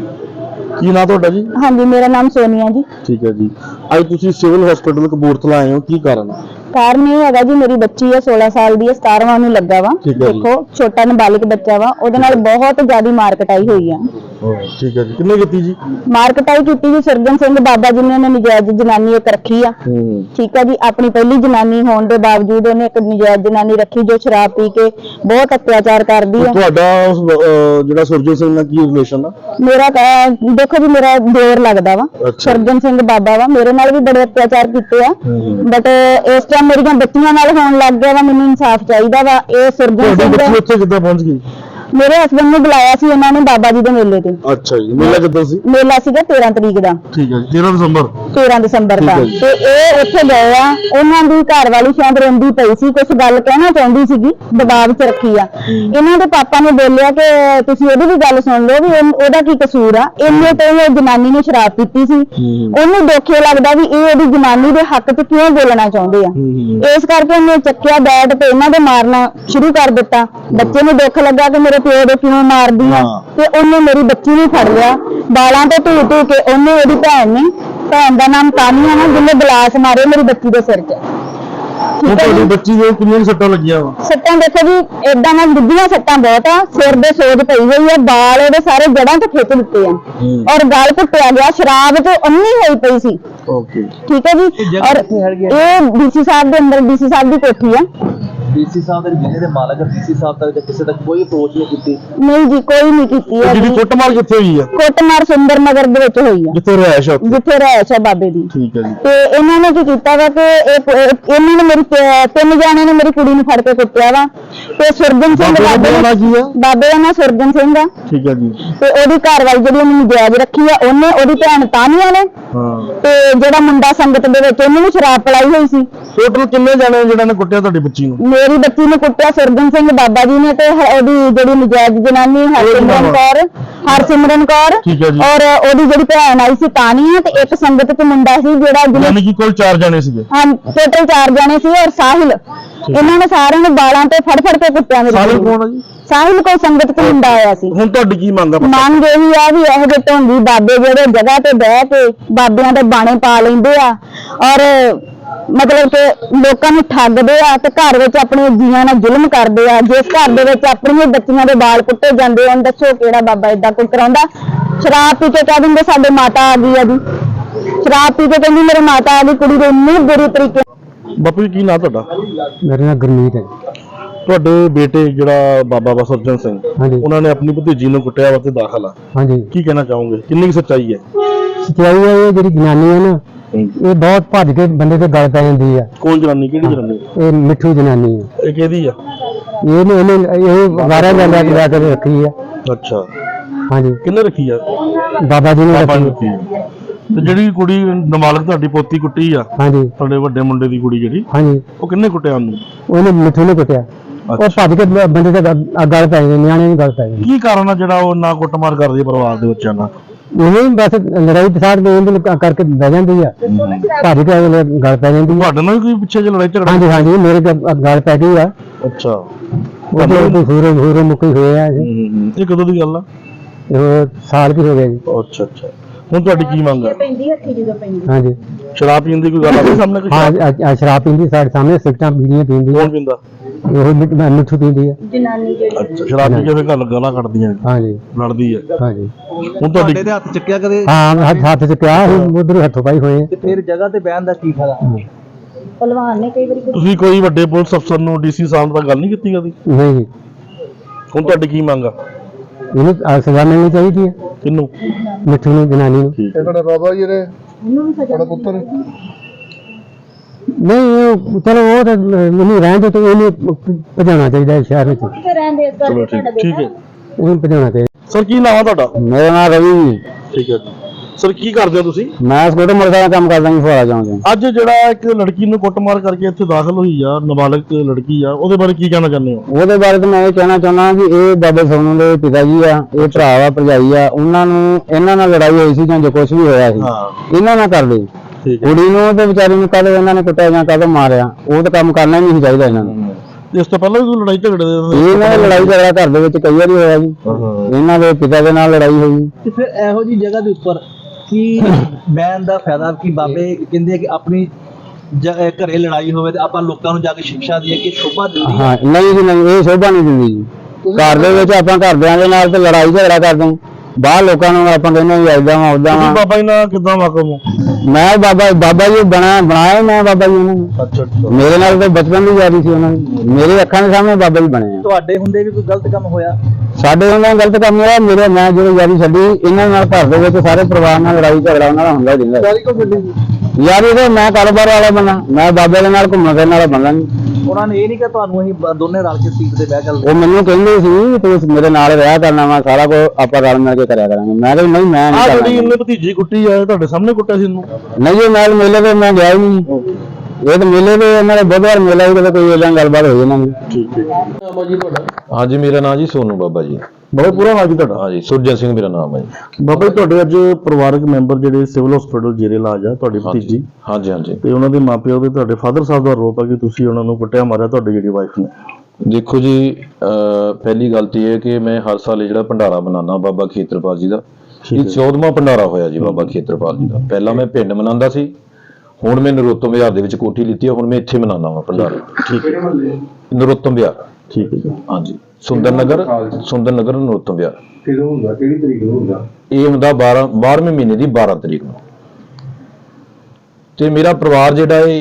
Speaker 3: ਕੀ ਨਾਮ ਤੁਹਾਡਾ ਜੀ?
Speaker 4: ਹਾਂਜੀ, ਮੇਰਾ ਨਾਮ ਸੋਨੀਆ ਜੀ।
Speaker 3: ਠੀਕ ਹੈ ਜੀ। ਅੱਜ ਤੁਸੀਂ ਸਿਵਲ ਹਸਪੀਟਲ ਕਪੂਰਥਲਾ ਆਏ ਹੋ, ਕੀ ਕਾਰਨ?
Speaker 4: ਕਾਰਨ ਇਹ ਹੈਗਾ ਜੀ, ਮੇਰੀ ਬੱਚੀ ਹੈ 16 ਸਾਲ ਦੀ ਹੈ, 17ਵਾਂ ਨੂੰ ਲੱਗਾ ਵਾ। ਦੇਖੋ ਛੋਟਾ ਨਾਬਾਲਿਗ ਬੱਚਾ ਵਾ, ਉਹਦੇ ਨਾਲ ਬਹੁਤ ਜ਼ਿਆਦਾ ਮਾਰ ਕਟਾਈ ਹੋਈ ਆ।
Speaker 3: ਠੀਕ ਹੈ ਜੀ। ਕਿੰਨੇ ਕੀਤੀ ਜੀ
Speaker 4: ਮਾਰ ਕਟਾਈ? ਕੀਤੀ ਜੀ ਸੁਰਜਨ ਸਿੰਘ ਬਾਬਾ ਜੀ ਨੇ ਨਜਾਇਜ਼ ਜਨਾਨੀ ਇੱਕ ਰੱਖੀ ਆ, ਠੀਕ ਹੈ ਜੀ। ਆਪਣੀ ਪਹਿਲੀ ਜਨਾਨੀ ਹੋਣ ਦੇ ਬਾਵਜੂਦ ਉਹਨੇ ਇੱਕ ਨਜਾਇਜ਼ ਜਨਾਨੀ ਰੱਖੀ ਜੋ ਸ਼ਰਾਬ ਪੀ ਕੇ ਬਹੁਤ ਅਤਿਆਚਾਰ ਕਰਦੀ ਆ।
Speaker 3: ਤੁਹਾਡਾ ਜਿਹੜਾ ਸੁਰਜਨ ਸਿੰਘ ਨਾਲ ਕੀ ਰਿਲੇਸ਼ਨ ਆ?
Speaker 4: ਮੇਰਾ ਦੇਖੋ ਜੀ, ਮੇਰਾ ਦੇਰ ਲੱਗਦਾ ਵਾ, ਸੁਰਜਨ ਸਿੰਘ ਬਾਬਾ ਵਾ, ਮੇਰੇ ਨਾਲ ਵੀ ਬੜੇ ਅਤਿਆਚਾਰ ਕੀਤੇ ਆ, ਬਟ ਇਸ ਟਾਈਮ ਮੇਰੀਆਂ ਬੱਚੀਆਂ ਨਾਲ ਹੋਣ ਲੱਗ ਗਿਆ ਵਾ। ਮੈਨੂੰ ਇਨਸਾਫ ਚਾਹੀਦਾ ਵਾ। ਇਹ ਸੁਰਜਨ ਸਿੰਘ
Speaker 3: ਉੱਥੇ ਕਿੱਦਾਂ ਪਹੁੰਚ ਗਈ?
Speaker 4: ਮੇਰੇ ਹਸਬੰਦ ਨੂੰ ਬੁਲਾਇਆ ਸੀ ਉਹਨਾਂ ਨੇ ਬਾਬਾ ਜੀ ਦੇ ਮੇਲੇ ਤੇ।
Speaker 3: ਅੱਛਾ ਜੀ। ਮੇਲਾ ਕਿੱਦਾਂ ਸੀ?
Speaker 4: ਮੇਲਾ ਸੀਗਾ 13 ਤਰੀਕ ਦਾ।
Speaker 3: ਠੀਕ ਹੈ ਜੀ। 13 ਦਸੰਬਰ? 13
Speaker 4: ਦਸੰਬਰ ਦਾ। ਤੇ ਇਹ ਉੱਥੇ ਗਏ ਆ, ਉਹਨਾਂ ਦੀ ਘਰ ਵਾਲੀ ਸ਼ਾਇਦ ਰੋਂਦੀ ਪਈ ਸੀ, ਕੁਝ ਗੱਲ ਕਹਿਣਾ ਚਾਹੁੰਦੀ ਸੀਗੀ, ਦਬਾਅ 'ਚ ਰੱਖੀ ਆ। ਇਹਨਾਂ ਦੇ ਪਾਪਾ ਨੇ ਬੋਲਿਆ ਕਿ ਤੁਸੀਂ ਉਹਦੀ ਵੀ ਗੱਲ ਸੁਣ ਲਓ ਵੀ ਉਹਦਾ ਕੀ ਕਸੂਰ ਆ। ਇੰਨੇ ਤੋਂ ਉਹ ਜਨਾਨੀ ਨੇ ਸ਼ਰਾਬ ਪੀਤੀ ਸੀ, ਉਹਨੂੰ ਦੋਖੇ ਲੱਗਦਾ ਵੀ ਇਹ ਉਹਦੀ ਜਨਾਨੀ ਦੇ ਹੱਕ 'ਚ ਕਿਉਂ ਬੋਲਣਾ ਚਾਹੁੰਦੇ ਆ, ਇਸ ਕਰਕੇ ਉਹਨੇ ਚੱਕਿਆ ਬੈਟ ਤੇ ਇਹਨਾਂ ਦੇ ਮਾਰਨਾ ਸ਼ੁਰੂ ਕਰ ਦਿੱਤਾ। ਬੱਚੇ ਨੂੰ ਦੁੱਖ ਲੱਗਾ ਕਿ ਮੇਰੇ ਪਿਓ ਦੇ ਕਿਉਂ ਮਾਰਦੀ ਆ, ਤੇ ਉਹਨੇ ਮੇਰੀ ਬੱਚੀ ਨੂੰ ਫੜ ਲਿਆ, ਬਾਲਾਂ ਤੋਂ ਧੂ ਕੇ। ਉਹਨੇ ਉਹਦੀ ਭੈਣ ਦਾ ਨਾਮ ਤਾਨੀਆ ਨਾ, ਜਿਹਨੇ ਗਲਾਸ ਮਾਰੇ ਮੇਰੀ ਬੱਚੀ ਦੇ ਸਿਰ 'ਚ।
Speaker 3: ਹੁਣ ਤੁਹਾਡੀ ਬੱਚੀ ਦੇ ਕਿੰਨੀਆਂ ਸੱਟਾਂ ਲੱਗੀਆਂ ਵਾ?
Speaker 4: ਸੱਟਾਂ ਦੇਖੋ ਜੀ ਏਦਾਂ ਨਾਲ ਡੁੱਬੀਆਂ ਸੱਟਾਂ ਬਹੁਤ ਆ, ਸਿਰ ਦੇ ਸੋਜ ਪਈ ਹੋਈ ਆ, ਬਾਲ ਉਹਦੇ ਸਾਰੇ ਜੜ੍ਹਾਂ ਤੋਂ ਖਿੱਚ ਦਿੱਤੇ ਆ ਔਰ ਗਲ ਘੁੱਟਿਆ ਗਿਆ, ਸ਼ਰਾਬ ਤੋਂ ਅੰਨੀ ਹੋਈ ਪਈ ਸੀ।
Speaker 3: ਓਕੇ,
Speaker 4: ਠੀਕ ਹੈ ਜੀ। ਔਰ ਇਹ ਡੀਸੀ ਸਾਹਿਬ ਦੇ ਅੰਦਰ ਡੀਸੀ ਸਾਹਿਬ ਦੀ ਕੋਠੀ ਆ।
Speaker 1: ਡੀਸੀ ਸਾਹਿਬ ਦੇ ਜ਼ਿਲ੍ਹੇ ਦੇ ਮਾਲਕ ਡੀਸੀ ਸਾਹਿਬ ਤੱਕ ਜਾਂ ਕਿਸੇ ਤੱਕ ਕੋਈ ਅਪਰੋਚ ਨਹੀਂ ਕੀਤੀ?
Speaker 4: ਨਹੀਂ ਜੀ, ਕੋਈ ਨਹੀਂ ਕੀਤੀ ਹੈ।
Speaker 3: ਜਿਹੜੀ ਕੁੱਟਮਾਰ ਕਿੱਥੇ ਹੋਈ ਆ?
Speaker 4: ਕੁੱਟਮਾਰ ਸੁੰਦਰ ਨਗਰ ਦੇ ਵਿੱਚ ਹੋਈ ਆ,
Speaker 3: ਜਿੱਥੇ ਰਿਹਾਇਸ਼ ਆ ਉੱਥੇ?
Speaker 4: ਜਿੱਥੇ ਰਹਿਸ਼ ਹੈ ਬਾਬੇ ਦੀ।
Speaker 3: ਠੀਕ ਹੈ ਜੀ।
Speaker 4: ਤੇ ਇਹਨਾਂ ਨੇ ਕੀ ਕੀਤਾ ਵਾ ਕਿ ਇਹਨਾਂ ਨੇ ਮੇਰੀ 3 ਜਣਿਆਂ ਨੇ ਮੇਰੀ ਕੁੜੀ ਨੂੰ ਫੜ ਕੇ ਕੁੱਟਿਆ ਵਾ। ਤੇ ਸੁਰਜਨ ਸਿੰਘ
Speaker 3: ਬਾਬੇ ਦਾ ਨਾਂ ਕੀ ਆ?
Speaker 4: ਬਾਬੇ ਦਾ ਨਾਂ ਸੁਰਜਨ ਸਿੰਘ ਆ।
Speaker 3: ਠੀਕ ਹੈ ਜੀ।
Speaker 4: ਤੇ ਉਹਦੀ ਘਰਵਾਲੀ ਜਿਹੜੀ ਉਹਨੂੰ ਨਜਾਇਜ਼ ਰੱਖੀ ਆ, ਉਹਨੇ ਉਹਦੀ ਭੈਣ ਤਾਨੀਆ ਨੇ
Speaker 3: ਹਾਂ,
Speaker 4: ਤੇ ਜਿਹੜਾ ਮੁੰਡਾ ਸੰਗਤ ਦੇ ਵਿੱਚ ਉਹਨੂੰ ਵੀ ਸ਼ਰਾਬ ਪਿਲਾਈ ਹੋਈ ਸੀ।
Speaker 3: ਟੋਟਲ ਕਿੰਨੇ ਜਾਣੇ ਜਿਹੜਾ ਨੇ ਕੁੱਟਿਆ ਤੁਹਾਡੀ ਬੱਚੀ ਨੂੰ?
Speaker 4: ਮੇਰੀ ਬੱਚੀ ਨੂੰ ਕੁੱਟਿਆ ਸੁਰਜਨ ਸਿੰਘ ਬਾਬਾ ਜੀ ਨੇ, ਤੇ ਉਹਦੀ ਜਿਹੜੀ ਨਜਾਇਜ਼ ਜਨਾਨੀ ਹਰਸਿਮਰਨ ਕੌਰ
Speaker 3: ਠੀਕ ਹੈ ਜੀ।
Speaker 4: ਔਰ ਉਹਦੀ ਜਿਹੜੀ ਭੈਣ ਆਈ ਸੀ ਤਾਨੀਆ, ਤੇ ਇੱਕ ਸੰਗਤ ਚ ਮੁੰਡਾ ਸੀ ਜਿਹੜਾ
Speaker 3: ਯਾਨੀ ਕਿ ਕੁੱਲ 4 ਜਾਣੇ ਸੀਗੇ?
Speaker 4: ਹਾਂ, ਟੋਟਲ 4 ਜਣੇ ਸੀ ਔਰ ਸਾਹਿਲ। ਇਹਨਾਂ ਨੇ ਸਾਰਿਆਂ ਨੂੰ ਬਾਲਾਂ ਤੇ ਫੜ ਫੜ ਕੇ ਕੁੱਟਿਆ ਮੇਰੀ
Speaker 3: ਸਾਹਿਲ
Speaker 4: ਕੁੜੀ ਨੂੰ।
Speaker 3: ਕੌਣ ਆ ਜੀ?
Speaker 4: ਸਾਹਿਲ ਕੋਈ ਸੰਗਤ ਚ ਮੁੰਡਾ ਆਇਆ ਸੀ।
Speaker 3: ਹੁਣ ਤੁਹਾਡੀ ਕੀ ਮੰਗ ਆ?
Speaker 4: ਮੰਗ ਇਹੀ ਆ ਵੀ ਇਹੋ ਜਿਹੇ ਢੋਂਗੀ ਬਾਬੇ ਜਿਹੜੇ ਜਗ੍ਹਾ ਤੇ ਬਹਿ ਕੇ ਬਾਬਿਆਂ ਦੇ ਬਾਣੇ ਪਾ ਲੈਂਦੇ ਆ ਔਰ ਮਤਲਬ ਕਿ ਲੋਕਾਂ ਨੂੰ ਠੱਗਦੇ ਆ ਤੇ ਘਰ ਵਿੱਚ ਆਪਣੇ ਜੀਆਂ ਨਾਲ ਜ਼ੁਲਮ ਕਰਦੇ ਆ। ਜਿਸ ਘਰ ਦੇ ਵਿੱਚ ਆਪਣੀਆਂ ਬੱਚੀਆਂ ਦੇ ਵਾਲ ਕੁੱਟੇ ਜਾਂਦੇ ਆ, ਦੱਸੋ ਕਿਹੜਾ ਬਾਬਾ ਏਦਾਂ ਕੋਈ ਕਰਾਉਂਦਾ? ਸ਼ਰਾਬ ਪੀ ਕੇ ਕਹਿ ਦਿੰਦੇ ਸਾਡੇ ਮਾਤਾ ਆ ਗਈ ਆ ਜੀ, ਸ਼ਰਾਬ ਪੀ ਕੇ ਕਹਿੰਦੀ ਮੇਰੇ ਮਾਤਾ ਆ ਗਈ, ਕੁੜੀ ਦੇ ਇੰਨੀ ਬੁਰੀ ਤਰੀਕੇ।
Speaker 3: ਬਾਪੂ ਜੀ ਕੀ ਨਾਂ ਤੁਹਾਡਾ?
Speaker 2: ਮੇਰਾ ਨਾਮ ਗੁਰਮੀਤ ਹੈ।
Speaker 3: ਤੁਹਾਡੇ ਬੇਟੇ ਜਿਹੜਾ ਬਾਬਾ ਸੁਰਜਨ ਸਿੰਘ,
Speaker 2: ਹਾਂਜੀ
Speaker 3: ਉਹਨਾਂ ਨੇ ਆਪਣੀ ਭਤੀਜੀ ਨੂੰ ਕੁੱਟਿਆ ਵਾ ਤੇ ਦਾਖਲ ਆ,
Speaker 2: ਹਾਂਜੀ।
Speaker 3: ਕੀ ਕਹਿਣਾ ਚਾਹੋਗੇ? ਕਿੰਨੀ ਕੁ ਸੱਚਾਈ ਹੈ?
Speaker 2: ਸਚਾਈ ਹੈ ਇਹ ਜਿਹੜੀ ਜਨਾਨੀ ਹੈ ਨਾ, ਇਹ ਬਹੁਤ ਭੱਜ ਕੇ ਬੰਦੇ ਤੇ ਗਲ ਪੈ ਜਾਂਦੀ ਆ।
Speaker 3: ਕੌਣ ਜਨਾਨੀ? ਕਿਹੜੀ ਜਨਾਨੀ?
Speaker 2: ਇਹ ਮਿੱਠੂ ਜਨਾਨੀ ਹੈ।
Speaker 3: ਇਹ ਕਿਹਦੀ ਆ?
Speaker 2: ਇਹ ਵਾਰਾ ਜਾਂਦਾ ਕਿ ਲੈ ਕੇ ਰੱਖੀ ਆ।
Speaker 3: ਅੱਛਾ,
Speaker 2: ਹਾਂਜੀ,
Speaker 3: ਕਿੰਨੇ ਰੱਖੀ ਆ?
Speaker 2: ਬਾਬਾ ਜੀ ਨੇ
Speaker 3: ਬਾਬਾ ਨੇ
Speaker 2: ਰੱਖੀ।
Speaker 3: ਰੱਖੀ ਆ। ਤੇ ਜਿਹੜੀ ਕੁੜੀ ਨਾਬਾਲਗ ਤੁਹਾਡੀ ਪੋਤੀ ਕੁੱਟੀ ਆ,
Speaker 2: ਹਾਂਜੀ
Speaker 3: ਤੁਹਾਡੇ ਵੱਡੇ ਮੁੰਡੇ ਦੀ ਕੁੜੀ ਜਿਹੜੀ,
Speaker 2: ਹਾਂਜੀ,
Speaker 3: ਉਹ ਕਿੰਨੇ ਕੁੱਟਿਆ ਉਹਨੂੰ?
Speaker 2: ਉਹਨੇ ਮਿੱਠੂ ਨੇ ਕੁੱਟਿਆ। ਉਹ ਭੱਜ ਕੇ ਬੰਦੇ ਤੇ ਗਲ ਪੈ ਜਾਂਦੇ, ਨਿਆਣੇ ਨੂੰ ਗਲ ਪੈ ਜਾਂਦੀ।
Speaker 3: ਕੀ ਕਾਰਨ ਆ ਜਿਹੜਾ ਉਹ ਨਾ ਕੁੱਟਮਾਰ ਕਰਦੀ ਪਰਿਵਾਰ ਦੇ ਬੱਚਿਆਂ ਨਾਲ?
Speaker 2: ਇਹ ਬਸ ਲੜਾਈ ਫਸਾਦ ਕਰਕੇ ਬਹਿ ਜਾਂਦੀ ਆ, ਭੱਜ ਕੇ ਗਲ ਪੈ ਜਾਂਦੀ ਆ।
Speaker 3: ਤੁਹਾਡੇ ਨਾਲ ਵੀ ਕੋਈ ਪਿੱਛੇ ਜੇ ਲੜਾਈ ਝਗੜਾ?
Speaker 2: ਹਾਂਜੀ ਹਾਂਜੀ, ਮੇਰੇ ਤੇ ਗਲ ਪੈ ਗਈ ਆ।
Speaker 3: ਅੱਛਾ,
Speaker 2: ਉਹ ਹੂਰੇ ਮੁੱਕੀ ਹੋਏ ਆ।
Speaker 3: ਇਹ ਕਦੋਂ ਦੀ ਗੱਲ ਆ?
Speaker 2: ਇਹ ਸਾਲ ਕੀ ਹੋ ਗਿਆ ਜੀ।
Speaker 3: ਅੱਛਾ ਅੱਛਾ, ਹੁਣ ਤੁਹਾਡੀ ਕੀ ਮੰਗ ਆ?
Speaker 4: ਪੈਂਦੀ ਹੱਥੀ ਜਦੋਂ ਪੈਂਦੀ।
Speaker 2: ਹਾਂਜੀ
Speaker 3: ਸ਼ਰਾਬ ਪੀਣ ਦੀ ਕੋਈ ਗੱਲ ਆ ਸਾਹਮਣੇ? ਕੋਈ
Speaker 2: ਹਾਂ, ਸ਼ਰਾਬ ਪੀਂਦੀ ਸਾਡੇ ਸਾਹਮਣੇ, ਸਿਗਰਟਾਂ ਬੀੜੀਆਂ ਪੀਂਦੀ।
Speaker 3: ਕੌਣ ਪੀਂਦਾ?
Speaker 2: ਉਹ ਮਿੱਠੂ ਪੀਂਦੀ ਆ
Speaker 4: ਜਨਾਨੀ ਜਿਹੜੀ।
Speaker 3: ਅੱਛਾ, ਸ਼ਰਾਬ ਪੀ ਕੇ ਫਿਰ ਗੱਲ ਗਾਲਾਂ ਕੱਢਦੀਆਂ,
Speaker 2: ਹਾਂਜੀ
Speaker 3: ਲੜਦੀ ਹੈ।
Speaker 2: ਹਾਂਜੀ।
Speaker 3: ਹੁਣ ਤੁਹਾਡੀ
Speaker 1: ਤੁਹਾਡੇ ਦੇ ਹੱਥ ਚੱਕਿਆ ਕਦੇ?
Speaker 2: ਹਾਂ, ਹੱਥ ਚ ਕਿਹਾ ਉਧਰ ਹੱਥੋਂ ਪਾਈ ਹੋਏ।
Speaker 1: ਤੇ ਫਿਰ ਜਗ੍ਹਾ ਤੇ ਬਹਿਣ ਦਾ ਕੀ ਫਾਇਦਾ?
Speaker 4: ਪਹਿਲਵਾਨ ਨੇ ਕਈ ਵਾਰੀ
Speaker 3: ਤੁਸੀਂ ਕੋਈ ਵੱਡੇ ਪੁਲਿਸ ਅਫਸਰ ਨੂੰ, ਡੀਸੀ ਸਾਹਿਬ ਨਾਲ ਗੱਲ ਨਹੀਂ ਕੀਤੀ ਕਦੀ?
Speaker 2: ਨਹੀਂ ਜੀ,
Speaker 3: ਹੁਣ ਤੁਹਾਡੀ ਕੀ ਮੰਗ ਆ?
Speaker 2: ਇਹਨੂੰ ਸਜ਼ਾ ਮਿਲਣੀ ਚਾਹੀਦੀ ਹੈ,
Speaker 3: ਕਿਹਨੂੰ?
Speaker 2: ਮਿੱਠੂ ਨੂੰ, ਜਨਾਨੀ ਨੂੰ।
Speaker 3: ਠੀਕ ਹੈ।
Speaker 5: ਤੁਹਾਡਾ ਬਾਬਾ ਜੀ ਨੇ
Speaker 4: ਉਹਨੂੰ ਵੀ ਸਜ਼ਾ
Speaker 5: ਪੁੱਤਰ
Speaker 2: ਨਹੀਂ ਚਲੋ ਉਹ ਤਾਂ ਮੈਨੂੰ ਰਹਿਣ ਦੇ, ਤੇ ਇਹਨੂੰ ਭਜਾਉਣਾ ਚਾਹੀਦਾ ਹੈ ਸ਼ਹਿਰ ਵਿੱਚ,
Speaker 4: ਕਿੱਥੇ ਰਹਿੰਦੇ ਇਸ
Speaker 3: ਚਲੋ
Speaker 4: ਕਰਕੇ
Speaker 3: ਠੀਕ ਹੈ।
Speaker 2: ਉਹਨੂੰ ਭਜਾਉਣਾ ਚਾਹੀਦਾ।
Speaker 3: ਸਰ ਕੀ ਨਾਮ ਆ ਤੁਹਾਡਾ?
Speaker 2: ਮੇਰਾ ਨਾਮ ਰਵੀ।
Speaker 3: ਠੀਕ ਹੈ ਜੀ। ਸਰ ਕੀ ਕਰਦੇ ਹੋ ਤੁਸੀਂ?
Speaker 2: ਮੈਂ ਸਕੂਟਰ ਮੋਟਰਸਾਈਕਲ ਦਾ ਕੰਮ ਕਰਦਾ ਜੀ, ਫੁਆਰਾ ਜਾਉਂਦਾ।
Speaker 3: ਅੱਜ ਜਿਹੜਾ ਇੱਕ ਲੜਕੀ ਨੂੰ ਕੁੱਟਮਾਰ ਕਰਕੇ ਇੱਥੇ ਦਾਖਲ ਹੋਈ ਆ, ਨਾਬਾਲਗ ਲੜਕੀ ਆ, ਉਹਦੇ ਬਾਰੇ ਕੀ ਕਹਿਣਾ ਚਾਹੁੰਦੇ ਹੋ?
Speaker 2: ਉਹਦੇ ਬਾਰੇ ਤਾਂ ਮੈਂ ਇਹ ਕਹਿਣਾ ਚਾਹੁੰਦਾ ਕਿ ਇਹ ਬਾਬੇ ਸੋਨੂੰ ਦੇ ਪਿਤਾ ਜੀ ਆ, ਇਹ ਭਰਾ ਵਾ, ਭਰਜਾਈ ਆ, ਉਹਨਾਂ ਨੂੰ ਇਹਨਾਂ ਨਾਲ ਲੜਾਈ ਹੋਈ ਸੀ ਜਾਂ ਜੋ ਕੁਝ ਵੀ ਹੋਇਆ ਸੀ,
Speaker 3: ਹਾਂ
Speaker 2: ਇਹਨਾਂ ਨਾਲ ਕਰਦੇ।
Speaker 3: ਠੀਕ ਹੈ।
Speaker 2: ਕੁੜੀ ਨੂੰ ਤੇ ਵਿਚਾਰੀ ਨੂੰ ਕਦੇ ਇਹਨਾਂ ਨੇ ਕੁੱਟਿਆ ਜਾਂ ਕਦੇ ਮਾਰਿਆ, ਉਹ ਤਾਂ ਕੰਮ ਕਰਨਾ ਹੀ ਨਹੀਂ ਚਾਹੀਦਾ ਇਹਨਾਂ ਨੂੰ।
Speaker 3: ਇਸ ਤੋਂ ਪਹਿਲਾਂ ਵੀ ਕੋਈ ਲੜਾਈ ਝਗੜੇ
Speaker 2: ਇਹਨਾਂ ਦੀ ਲੜਾਈ ਝਗੜਾ ਘਰ ਦੇ ਵਿੱਚ ਕਈ ਵਾਰੀ ਹੋਇਆ ਜੀ, ਇਹਨਾਂ ਦੇ ਪਿਤਾ ਦੇ ਨਾਲ ਲੜਾਈ ਹੋਈ।
Speaker 1: ਤੇ ਫਿਰ ਇਹੋ ਜੀ ਜਗ੍ਹਾ ਦੇ ਉੱਪਰ ਕੀ ਬਹਿਣ ਦਾ ਫਾਇਦਾ? ਕਿ ਬਾਬੇ ਕਹਿੰਦੇ ਆ ਕਿ ਆਪਣੀ ਘਰੇ ਲੜਾਈ ਹੋਵੇ ਤੇ ਆਪਾਂ ਲੋਕਾਂ ਨੂੰ ਜਾ ਕੇ ਸਿੱਖਿਆ ਦਈਏ ਕਿ ਸ਼ੋਭਾ ਦਿੰਦੀ ਹੈ।
Speaker 2: ਹਾਂ, ਨਹੀਂ ਜੀ ਨਹੀਂ, ਇਹ ਸ਼ੋਭਾ ਨਹੀਂ ਦਿੰਦੀ ਜੀ। ਘਰ ਦੇ ਵਿੱਚ ਆਪਾਂ ਘਰਦਿਆਂ ਦੇ ਨਾਲ ਤੇ ਲੜਾਈ ਝਗੜਾ ਕਰਦੇ ਹਾਂ, ਬਾਹਰ ਲੋਕਾਂ ਨੂੰ ਆਪਾਂ ਕਹਿੰਦੇ ਵੀ ਏਦਾਂ ਵਾ ਉਦਾਂ
Speaker 3: ਤੁਸੀਂ
Speaker 2: ਵਾ।
Speaker 3: ਬਾਬਾ ਜੀ ਨਾਲ ਕਿੱਦਾਂ ਵਾਕਫ ਹੋ?
Speaker 2: ਮੈਂ ਬਾਬਾ ਜੀ ਬਣਾਇਆ ਮੈਂ ਬਾਬਾ ਜੀ ਉਹਨਾਂ ਨੂੰ।
Speaker 3: ਅੱਛਾ ਅੱਛਾ।
Speaker 2: ਮੇਰੇ ਨਾਲ ਤਾਂ ਬਚਪਨ ਦੀ ਯਾਰੀ ਸੀ ਉਹਨਾਂ ਦੀ, ਮੇਰੇ ਅੱਖਾਂ ਦੇ ਸਾਹਮਣੇ ਬਾਬਾ ਜੀ ਬਣੇ ਆ।
Speaker 1: ਤੁਹਾਡੇ ਹੁੰਦੇ ਵੀ ਕੋਈ ਗਲਤ ਕੰਮ ਹੋਇਆ?
Speaker 2: ਸਾਡੇ ਉਹਨਾਂ ਗਲਤ ਕੰਮ ਹੋਇਆ, ਮੈਂ ਜਦੋਂ ਯਾਰੀ ਛੱਡੀ ਇਹਨਾਂ ਨਾਲ ਘਰ ਦੇ ਵਿੱਚ ਸਾਰੇ ਪਰਿਵਾਰ ਨਾਲ ਲੜਾਈ ਝਗੜਾ ਉਹਨਾਂ ਦਾ ਹੁੰਦਾ ਹੀ ਰਹਿੰਦਾ।
Speaker 5: ਯਾਰੀ ਕੋ ਛੱਡੀ?
Speaker 2: ਯਾਰੀ ਤੇ ਮੈਂ ਕਾਰੋਬਾਰ ਵਾਲਾ ਬੰਦਾ, ਮੈਂ ਬਾਬੇ ਦੇ ਨਾਲ ਘੁੰਮਣ ਫਿਰਨ ਵਾਲਾ ਬੰਦਾ ਨਹੀਂ।
Speaker 1: ਉਹਨਾਂ ਨੇ ਇਹ ਨਹੀਂ ਕਿ ਤੁਹਾਨੂੰ ਅਸੀਂ ਦੋਨੇ ਰਲ ਕੇ ਸੀਟ ਤੇ ਬਹਿ ਕੇ
Speaker 2: ਉਹ ਮੈਨੂੰ ਕਹਿੰਦੇ ਸੀ ਤੂੰ ਮੇਰੇ ਨਾਲ ਵਿਆਹ ਕਰਨਾ ਵਾ, ਸਾਰਾ ਕੁਝ ਆਪਾਂ ਰਲ ਮਿਲ ਕੇ ਕਰਿਆ ਕਰਾਂਗੇ। ਮੈਂ ਕਿਹਾ ਨਹੀਂ, ਮੈਂ
Speaker 3: ਆ
Speaker 2: ਨਹੀਂ
Speaker 3: ਜਿਹੜੀ
Speaker 2: ਕਰਨਾ।
Speaker 3: ਇਹਨੇ ਭਤੀਜੀ ਕੁੱਟੀ ਆ, ਤੁਹਾਡੇ ਸਾਹਮਣੇ ਕੁੱਟਿਆ ਸੀ ਇਹਨੂੰ?
Speaker 2: ਨਹੀਂ ਜੀ, ਮੈਂ ਮੇਲੇ ਤੇ ਮੈਂ ਗਿਆ ਹੀ ਨਹੀਂ। ਇਹ ਤਾਂ ਮੇਲੇ ਤੇ ਇਹਨਾਂ ਦੇ ਬੁੱਧਵਾਰ ਮੇਲਾ ਹੀ, ਕਿਤੇ ਕੋਈ ਏਦਾਂ ਗੱਲਬਾਤ ਹੋਈ ਇਹਨਾਂ ਦੀ।
Speaker 3: ਠੀਕ ਹੈ।
Speaker 5: ਬਾਬਾ ਜੀ ਤੁਹਾਡਾ?
Speaker 6: ਹਾਂਜੀ, ਮੇਰਾ ਨਾਮ ਜੀ ਸੋਨੂ ਬਾਬਾ ਜੀ।
Speaker 3: ਬਹੁਤ ਪੂਰਾ ਨਾਮ ਜੀ ਤੁਹਾਡਾ?
Speaker 6: ਹਾਂਜੀ, ਸੁਰਜਨ ਸਿੰਘ ਮੇਰਾ ਨਾਮ ਹੈ ਜੀ।
Speaker 3: ਬਾਬਾ ਜੀ ਤੁਹਾਡੇ ਅੱਜ ਪਰਿਵਾਰਕ ਮੈਂਬਰ ਜਿਹੜੇ ਸਿਵਲ ਹਸਪੀਟਲ ਜੇਰੇ ਇਲਾਜ ਆ, ਤੁਹਾਡੀ ਭਤੀਜੀ
Speaker 6: ਹਾਂਜੀ ਹਾਂਜੀ।
Speaker 3: ਤੇ ਉਹਨਾਂ ਦੇ ਮਾਪਿਓ ਦੇ ਤੁਹਾਡੇ ਫਾਦਰ ਸਾਹਿਬ ਦਾ ਆਰੋਪ ਆ ਕਿ ਤੁਸੀਂ ਉਹਨਾਂ ਨੂੰ ਕੁੱਟਿਆ ਮਾਰਿਆ, ਤੁਹਾਡੀ ਜਿਹੜੀ ਵਾਈਫ ਨੇ।
Speaker 6: ਦੇਖੋ ਜੀ, ਪਹਿਲੀ ਗੱਲ ਤਾਂ ਇਹ ਹੈ ਕਿ ਮੈਂ ਹਰ ਸਾਲ ਇਹ ਜਿਹੜਾ ਭੰਡਾਰਾ ਮਨਾਉਣਾ ਬਾਬਾ ਖੇਤਰਪਾਲ ਜੀ ਦਾ, ਇਹ 14ਵਾਂ ਭੰਡਾਰਾ ਹੋਇਆ ਜੀ ਬਾਬਾ ਖੇਤਰਪਾਲ ਜੀ ਦਾ। ਪਹਿਲਾਂ ਮੈਂ ਪਿੰਡ ਮਨਾਉਂਦਾ ਸੀ, ਹੁਣ ਮੈਂ ਨਰੋਤਮ ਵਿਹਾਰ ਦੇ ਵਿੱਚ ਕੋਠੀ ਲਿੱਤੀ ਹੈ, ਹੁਣ ਮੈਂ ਇੱਥੇ ਮਨਾਉਣਾ ਵਾ ਭੰਡਾਰਾ।
Speaker 3: ਠੀਕ ਹੈ
Speaker 6: ਨਰੋਤਮ ਵਿਹਾਰ,
Speaker 3: ਠੀਕ ਹੈ ਜੀ।
Speaker 6: ਹਾਂਜੀ, ਸੁੰਦਰ ਨਗਰ ਨਰੋਤਮ ਵਿਹਾਰ।
Speaker 5: ਕਿਦੋਂ ਹੁੰਦਾ, ਕਿਹੜੀ ਤਰੀਕ ਨੂੰ ਹੁੰਦਾ?
Speaker 6: ਇਹ ਹੁੰਦਾ 12ਵੇਂ ਮਹੀਨੇ ਦੀ 12 ਤਰੀਕ ਨੂੰ। ਤੇ ਮੇਰਾ ਪਰਿਵਾਰ ਜਿਹੜਾ ਹੈ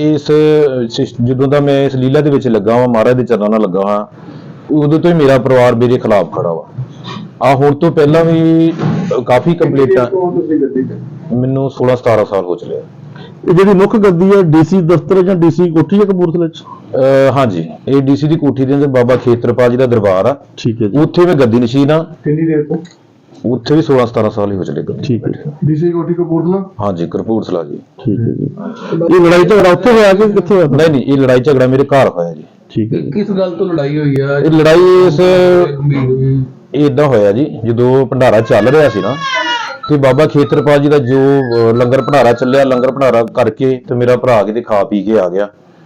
Speaker 6: ਜਦੋਂ ਦਾ ਮੈਂ ਇਸ ਲੀਲਾ ਦੇ ਵਿੱਚ ਲੱਗਾ ਵਾਂ, ਮਹਾਰਾਜ ਦੇ ਚਰਨਾਂ ਨਾਲ ਲੱਗਾ ਹਾਂ, ਉਦੋਂ ਤੋਂ ਹੀ ਮੇਰਾ ਪਰਿਵਾਰ ਮੇਰੇ ਖਿਲਾਫ ਖੜਾ ਵਾ। ਹੁਣ ਤੋਂ ਪਹਿਲਾਂ ਵੀ ਕਾਫੀ ਕੰਪਲੇਂਟਾਂ,
Speaker 5: ਤੁਸੀਂ ਗੱਦੀ ਤੇ?
Speaker 6: ਮੈਨੂੰ 16-17 ਸਾਲ ਹੋ ਚੁੱਕੇ ਆ।
Speaker 3: ਇਹ ਜਿਹੜੀ ਮੁੱਖ ਗੱਦੀ ਹੈ ਡੀਸੀ ਦਫ਼ਤਰ ਜਾਂ ਡੀਸੀ ਕੋਠੀ ਹੈ ਕਪੂਰਥਲੇ ਚ?
Speaker 6: ਹਾਂਜੀ, ਇਹ ਡੀਸੀ ਦੀ ਕੋਠੀ ਦੇ ਅੰਦਰ ਬਾਬਾ ਖੇਤਰਪਾਲ ਜੀ ਦਾ ਦਰਬਾਰ ਆ,
Speaker 3: ਠੀਕ ਹੈ ਜੀ।
Speaker 6: ਉੱਥੇ ਮੈਂ ਗੱਦੀ ਨਸ਼ੀਨ ਆ।
Speaker 5: ਕਿੰਨੀ ਦੇਰ ਤੋਂ?
Speaker 6: ਉੱਥੇ ਵੀ 16-17 ਸਾਲ ਹੀ ਹੋ ਚਲੇ ਗਏ।
Speaker 3: ਠੀਕ ਹੈ ਜੀ।
Speaker 5: ਡੀਸੀ ਕੋਠੀ ਕਪੂਰਥਲਾ?
Speaker 6: ਹਾਂਜੀ, ਕਪੂਰਥਲਾ ਜੀ।
Speaker 3: ਠੀਕ ਹੈ ਜੀ। ਇਹ ਲੜਾਈ ਝਗੜਾ ਉੱਥੇ ਹੋਇਆ ਕਿ ਕਿੱਥੇ ਹੋਇਆ?
Speaker 6: ਨਹੀਂ, ਇਹ ਲੜਾਈ ਝਗੜਾ ਮੇਰੇ ਘਰ ਹੋਇਆ ਜੀ।
Speaker 3: ਠੀਕ ਹੈ ਜੀ।
Speaker 5: ਕਿਸ ਗੱਲ ਤੋਂ ਲੜਾਈ ਹੋਈ ਆ?
Speaker 6: ਇਹ ਲੜਾਈ ਇਦਾਂ ਹੋਇਆ ਜੀ, ਜਦੋਂ ਭੰਡਾਰਾ ਚੱਲ ਰਿਹਾ ਸੀ ਨਾ, ਤੇ ਬਾਬਾ ਖੇਤਰਪਾਲ ਜੀ ਦਾ ਜੋ ਲੰਗਰ ਭੰਡਾਰਾ ਚੱਲਿਆ, ਲੰਗਰ ਭੰਡਾਰਾ ਕਰਕੇ ਤੇ ਮੇਰਾ ਭਰਾ ਕਿਤੇ ਖਾ ਪੀ ਕੇ ਆ ਗਿਆ।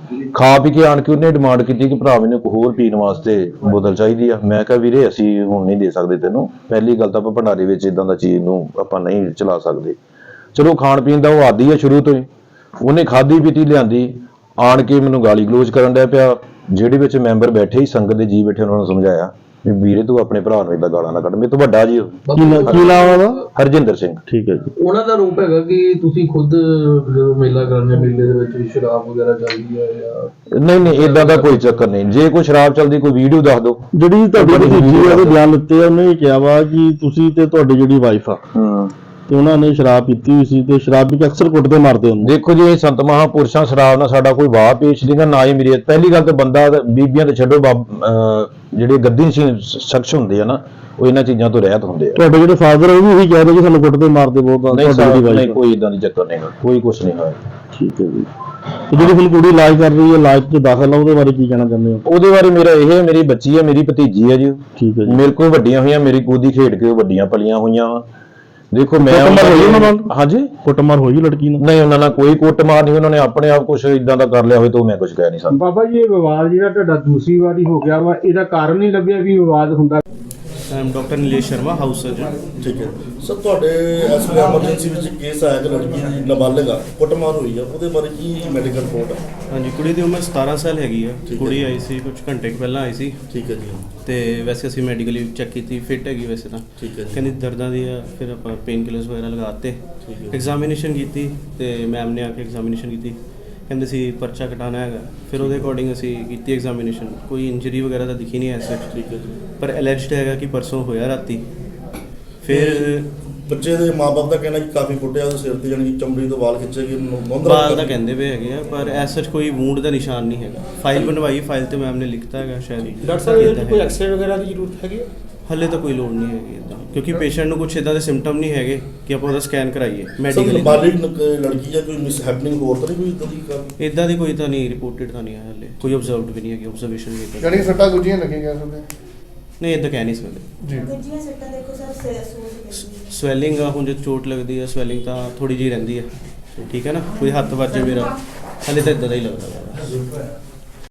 Speaker 6: ਖਾ ਪੀ ਕੇ ਆਣ ਕੇ ਉਹਨੇ ਡਿਮਾਂਡ ਕੀਤੀ ਕਿ ਭਰਾ ਮੈਨੂੰ ਇੱਕ ਹੋਰ ਪੀਣ ਵਾਸਤੇ ਬੋਤਲ ਚਾਹੀਦੀ ਆ। ਮੈਂ ਕਿਹਾ ਵੀਰੇ ਅਸੀਂ ਹੁਣ ਨਹੀਂ ਦੇ ਸਕਦੇ ਤੈਨੂੰ, ਪਹਿਲੀ ਗੱਲ ਤਾਂ ਆਪਾਂ ਭੰਡਾਰੇ ਵਿੱਚ ਇਦਾਂ ਦਾ ਚੀਜ਼ ਨੂੰ ਆਪਾਂ ਨਹੀਂ ਚਲਾ ਸਕਦੇ। ਚਲੋ ਖਾਣ ਪੀਣ ਦਾ ਉਹ ਆਦੀ ਆ ਸ਼ੁਰੂ ਤੋਂ ਹੀ, ਉਹਨੇ ਖਾਧੀ ਪੀਤੀ ਲਿਆਂਦੀ, ਆਣ ਕੇ ਮੈਨੂੰ ਗਾਲੀ ਗਲੋਚ ਕਰਨ ਡਿਆ ਪਿਆ। ਜਿਹੜੇ ਵਿੱਚ ਮੈਂਬਰ ਬੈਠੇ ਹੀ, ਸੰਗਤ ਦੇ ਜੀ ਬੈਠੇ, ਉਹਨਾਂ ਨੂੰ ਸਮਝਾਇਆ ਵੀ ਵੀਰੇ ਤੂੰ ਆਪਣੇ ਭਰਾ ਨੂੰ ਏਦਾਂ ਗਾਲਾਂ ਨਾ ਕੱਢ, ਮੇਰੇ ਤੋਂ ਵੱਡਾ ਜੀ ਉਹ।
Speaker 3: ਕੀ ਨਾਮ ਉਹਦਾ?
Speaker 6: ਹਰਜਿੰਦਰ ਸਿੰਘ।
Speaker 3: ਠੀਕ ਹੈ ਜੀ।
Speaker 5: ਉਹਨਾਂ ਦਾ ਰੂਪ ਹੈਗਾ ਕਿ ਤੁਸੀਂ ਖੁਦ ਜਦੋਂ ਮੇਲਾ ਕਰਨੇ, ਮੇਲੇ ਦੇ ਵਿੱਚ ਸ਼ਰਾਬ ਵਗੈਰਾ ਚੱਲਦੀ ਹੈ ਜਾਂ?
Speaker 6: ਨਹੀਂ, ਏਦਾਂ ਦਾ ਕੋਈ ਚੱਕਰ ਨਹੀਂ। ਜੇ ਕੋਈ ਸ਼ਰਾਬ ਚੱਲਦੀ, ਕੋਈ ਵੀਡੀਓ ਦੱਸ ਦਿਓ।
Speaker 3: ਜਿਹੜੀ ਤੁਹਾਡੀ ਭਤੀਜੀ ਆ ਉਹਦੇ ਬਿਆਨ ਦਿੱਤੇ ਆ, ਉਹਨੇ ਇਹ ਕਿਹਾ ਵਾ ਕਿ ਤੁਸੀਂ ਤੇ ਤੁਹਾਡੀ ਜਿਹੜੀ ਵਾਈਫ ਆ ਤੇ ਉਹਨਾਂ ਨੇ ਸ਼ਰਾਬ ਪੀਤੀ ਹੋਈ ਸੀ ਤੇ ਸ਼ਰਾਬ ਪੀ ਕੇ ਅਕਸਰ ਕੁੱਟਦੇ ਮਾਰਦੇ ਹੁੰਦੇ।
Speaker 6: ਦੇਖੋ ਜੀ, ਇਹ ਸੰਤ ਮਹਾਂਪੁਰਸ਼ਾਂ ਸ਼ਰਾਬ ਨਾਲ ਸਾਡਾ ਕੋਈ ਵਾਹ ਪੇਸ਼ ਨਹੀਂਗਾ, ਨਾ ਹੀ ਮੇਰੀ। ਪਹਿਲੀ ਗੱਲ ਤਾਂ ਬੰਦਾ ਬੀਬੀਆਂ ਤੇ ਛੱਡੋ, ਜਿਹੜੇ ਗੱਦੀ ਸ਼ਖਸ ਹੁੰਦੇ ਆ ਨਾ, ਉਹ ਇਹਨਾਂ ਚੀਜ਼ਾਂ ਤੋਂ ਰਹਿਤ ਹੁੰਦੇ ਆ।
Speaker 3: ਤੁਹਾਡੇ ਜਿਹੜੇ ਫਾਦਰ ਉਹ ਵੀ ਇਹੀ ਕਹਿੰਦੇ ਕਿ ਸਾਨੂੰ ਕੁੱਟਦੇ ਮਾਰਦੇ ਬਹੁਤ ਆ।
Speaker 6: ਨਹੀਂ, ਕੋਈ ਇਦਾਂ ਦੀ ਚੱਕਰ ਨਹੀਂ, ਕੋਈ ਕੁਛ ਨਹੀਂ ਹੋਇਆ।
Speaker 3: ਠੀਕ ਹੈ ਜੀ। ਤੇ ਜਿਹੜੀ ਹੁਣ ਕੁੜੀ ਇਲਾਜ ਕਰ ਰਹੀ ਹੈ, ਇਲਾਜ 'ਚ ਦਾਖਲ ਆ, ਉਹਦੇ ਬਾਰੇ ਕੀ ਕਹਿਣਾ ਚਾਹੁੰਦੇ ਹੋ?
Speaker 6: ਉਹਦੇ ਬਾਰੇ ਮੇਰਾ ਇਹ ਹੈ, ਮੇਰੀ ਬੱਚੀ ਹੈ, ਮੇਰੀ ਭਤੀਜੀ ਹੈ ਜੀ।
Speaker 3: ਠੀਕ ਹੈ ਜੀ।
Speaker 6: ਮੇਰੇ ਕੋਲ ਵੱਡੀਆਂ ਹੋਈਆਂ, ਮੇਰੀ ਗੋਦੀ ਖੇਡ ਕੇ ਉਹ ਵੱਡੀਆਂ ਪਲੀਆਂ ਹੋਈਆਂ ਵਾ। ਦੇਖੋ ਮੈਂ
Speaker 3: ਕੁੱਟਮਾਰ ਹੋਈ ਉਹਨਾਂ ਨਾਲ?
Speaker 6: ਹਾਂਜੀ,
Speaker 3: ਕੁੱਟਮਾਰ ਹੋਈ ਲੜਕੀ ਨਾਲ?
Speaker 6: ਨਹੀਂ, ਉਹਨਾਂ ਨਾਲ ਕੋਈ ਕੁੱਟਮਾਰ ਨਹੀਂ। ਉਹਨਾਂ ਨੇ ਆਪਣੇ ਆਪ ਕੁਝ ਇਦਾਂ ਦਾ ਕਰ ਲਿਆ ਹੋਵੇ ਤਾਂ ਮੈਂ ਕੁਝ ਕਹਿ ਨਹੀਂ ਸਕਦਾ।
Speaker 7: ਬਾਬਾ ਜੀ, ਇਹ ਵਿਵਾਦ ਜਿਹੜਾ ਤੁਹਾਡਾ ਦੂਸਰੀ ਵਾਰੀ ਹੋ ਗਿਆ ਵਾ, ਇਹਦਾ ਕਾਰਨ ਨਹੀਂ ਲੱਭਿਆ ਵੀ ਵਿਵਾਦ ਹੁੰਦਾ?
Speaker 8: Doctor Nilesh Sharma, house surgeon.
Speaker 3: ਠੀਕ ਹੈ ਸਰ, ਤੁਹਾਡੇ ਇਸ ਵੇਲੇ ਐਮਰਜੈਂਸੀ ਵਿੱਚ ਕੇਸ ਆਇਆ ਕਿ ਲੜਕੀ ਨਾਬਾਲਗ ਆ, ਕੁੱਟਮਾਰ ਹੋਈ ਆ, ਉਹਦੇ ਬਾਰੇ ਕੀ ਮੈਡੀਕਲ ਰਿਪੋਰਟ ਆ?
Speaker 8: ਹਾਂਜੀ, ਕੁੜੀ ਦੀ ਉਮਰ 17 ਸਾਲ ਹੈਗੀ ਆ। ਕੁੜੀ ਆਈ ਸੀ ਕੁਝ ਘੰਟੇ ਕੁ ਪਹਿਲਾਂ ਆਈ ਸੀ।
Speaker 3: ਠੀਕ ਹੈ ਜੀ।
Speaker 8: ਤੇ ਵੈਸੇ ਅਸੀਂ ਮੈਡੀਕਲੀ ਚੈੱਕ ਕੀਤੀ, ਫਿੱਟ ਹੈਗੀ ਵੈਸੇ ਤਾਂ।
Speaker 3: ਠੀਕ ਹੈ ਜੀ।
Speaker 8: ਕਹਿੰਦੀ ਦਰਦਾਂ ਦੀ ਆ, ਫਿਰ ਆਪਾਂ ਪੇਨ ਕਿਲਰਸ ਵਗੈਰਾ ਲਗਾਤੇ, ਐਗਜ਼ਾਮੀਨੇਸ਼ਨ ਕੀਤੀ ਤੇ ਮੈਮ ਨੇ ਆ ਕੇ ਐਗਜ਼ਾਮੀਨੇਸ਼ਨ ਕੀਤੀ, ਕਹਿੰਦੇ ਸੀ ਪਰਚਾ ਕਟਾਉਣਾ ਹੈਗਾ। ਫਿਰ ਉਹਦੇ ਅਕੋਰਡਿੰਗ ਅਸੀਂ ਕੀਤੀ ਐਗਜ਼ਾਮੀਨੇਸ਼ਨ, ਕੋਈ ਇੰਜਰੀ ਵਗੈਰਾ ਤਾਂ ਦਿਖੀ ਨਹੀਂ ਐਸ ਸੱਚ। ਠੀਕ ਹੈ ਜੀ। ਪਰ ਐਲਰਜਡ ਹੈਗਾ ਕਿ ਪਰਸੋਂ ਹੋਇਆ ਰਾਤੀ। ਫਿਰ
Speaker 3: ਬੱਚੇ ਦੇ ਮਾਪੇ ਦਾ ਕਹਿਣਾ ਕਿ ਕਾਫੀ ਕੁੱਟਿਆ, ਉਹਦੇ ਸਿਰ ਤੇ ਜਾਨੀ ਕਿ ਚਮੜੀ ਤੋਂ ਵਾਲ ਖਿੱਚੇ ਗਏ,
Speaker 8: ਬਾਲ ਦਾ ਕਹਿੰਦੇ ਪਏ ਹੈਗੇ ਆ, ਪਰ ਐਸ ਸੱਚ ਕੋਈ ਵੂੰਡ ਦਾ ਨਿਸ਼ਾਨ ਨਹੀਂ ਹੈਗਾ। ਫਾਈਲ ਬਣਵਾਈ, ਫਾਈਲ ਤੇ ਮੈਮ ਨੇ ਲਿਖਤਾ ਹੈਗਾ ਸ਼ਾਇਦ।
Speaker 7: ਡਾਕਟਰ ਸਾਹਿਬ, ਇਹਦੇ ਕੋਈ ਐਕਸਰੇ ਵਗੈਰਾ ਦੀ ਜ਼ਰੂਰਤ ਹੈਗੀ?
Speaker 8: ਹਲੇ ਤਾਂ ਕੋਈ ਲੋੜ ਨਹੀਂ ਹੈਗੀ ਇਦਾਂ, ਕਿਉਂਕਿ ਪੇਸ਼ੈਂਟ ਨੂੰ ਕੁਝ ਇਦਾਂ ਦੇ ਸਿੰਪਟਮ ਨਹੀਂ ਹੈਗੇ ਕਿ ਆਪਾਂ ਉਹਦਾ ਸਕੈਨ ਕਰਾਈਏ ਮੈਡੀਕਲੀ।
Speaker 3: ਨਾਬਾਲਿਗ ਲੜਕੀ ਜਾਂ ਕੋਈ ਮਿਸ ਹੈਪਨਿੰਗ ਹੋਰ ਤਾਂ ਨਹੀਂ ਕੋਈ ਇਦਾਂ ਦੀ ਗੱਲ?
Speaker 8: ਇਦਾਂ ਦੀ ਕੋਈ ਤਾਂ ਨਹੀਂ ਰਿਪੋਰਟਡ ਤਾਂ ਨਹੀਂ ਹੈ ਹਲੇ, ਕੋਈ ਆਬਜ਼ਰਵਡ ਵੀ ਨਹੀਂ ਹੈਗੀ, ਆਬਜ਼ਰਵੇਸ਼ਨ ਵੀ ਇਦਾਂ
Speaker 5: ਯਾਨੀ ਕਿ ਸੱਟਾਂ ਗੁੱਜੀਆਂ ਲੱਗੀਆਂ ਸਭ ਦੇ?
Speaker 8: ਨਹੀਂ, ਇਦਾਂ ਕਹਿ ਨਹੀਂ ਸਕਦੇ
Speaker 5: ਜੀ।
Speaker 4: ਦੂਜੀਆਂ ਸੱਟਾਂ ਦੇਖੋ ਸਰ,
Speaker 8: ਸਵੈਲਿੰਗ ਆ, ਹੁਣ ਜੇ ਚੋਟ ਲੱਗਦੀ ਹੈ ਸਵੈਲਿੰਗ ਤਾਂ ਥੋੜੀ ਜਿਹੀ ਰਹਿੰਦੀ ਹੈ। ਠੀਕ ਹੈ ਨਾ, ਕੋਈ ਹੱਥ ਵੱਜੇ ਮੇਰਾ, ਹਲੇ ਤਾਂ ਇਦਾਂ ਦਾ ਹੀ ਲੱਗਦਾ ਵਾ।